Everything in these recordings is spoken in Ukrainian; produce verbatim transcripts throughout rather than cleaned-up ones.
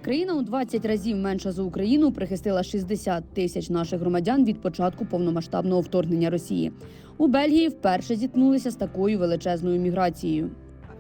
Країна у двадцять разів менша за Україну прихистила шістдесят тисяч наших громадян від початку повномасштабного вторгнення Росії. У Бельгії вперше зіткнулися з такою величезною міграцією.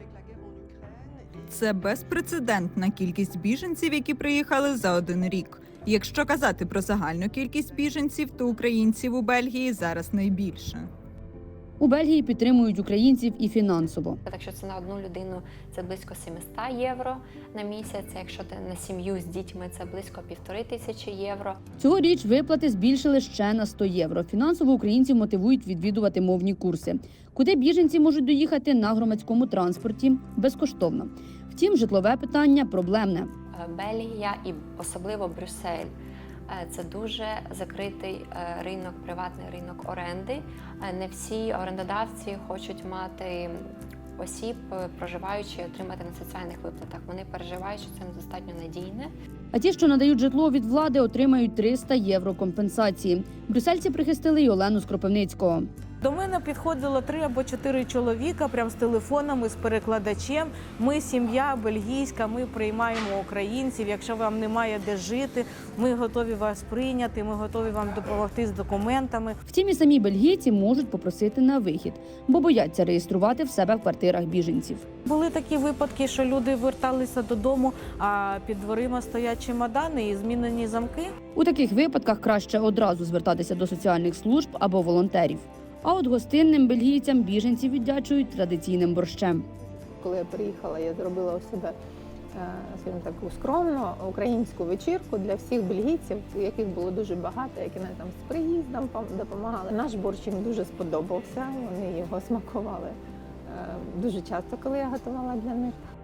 Це безпрецедентна кількість біженців, які приїхали за один рік. Якщо казати про загальну кількість біженців, то українців у Бельгії зараз найбільше. У Бельгії підтримують українців і фінансово. Якщо це на одну людину, це близько сімсот євро на місяць. Якщо ти на сім'ю з дітьми, це близько півтори тисячі євро. Цьогоріч виплати збільшили ще на сто євро. Фінансово українців мотивують відвідувати мовні курси, куди біженці можуть доїхати на громадському транспорті безкоштовно. Втім, житлове питання проблемне. Бельгія і особливо Брюссель – це дуже закритий ринок, приватний ринок оренди. Не всі орендодавці хочуть мати осіб, проживаючи і отримати на соціальних виплатах. Вони переживають, що це недостатньо надійне. А ті, що надають житло від влади, отримають триста євро компенсації. Брюссельці прихистили й Олену з Кропивницького. До мене підходило три або чотири чоловіка, прям з телефонами, з перекладачем. Ми сім'я бельгійська, ми приймаємо українців. Якщо вам немає де жити, ми готові вас прийняти, ми готові вам допомогти з документами. Втім, і самі бельгійці можуть попросити на вихід, бо бояться реєструвати в себе в квартирах біженців. Були такі випадки, що люди верталися додому, а під дверима стоять чемодани і змінені замки. У таких випадках краще одразу звертатися до соціальних служб або волонтерів. А от гостинним бельгійцям біженців віддячують традиційним борщем. Коли я приїхала, я зробила у себе, скажімо, таку скромну українську вечірку для всіх бельгійців, яких було дуже багато, які нам там з приїздом допомагали. Наш борщ їм дуже сподобався, вони його смакували дуже часто, коли я готувала для них.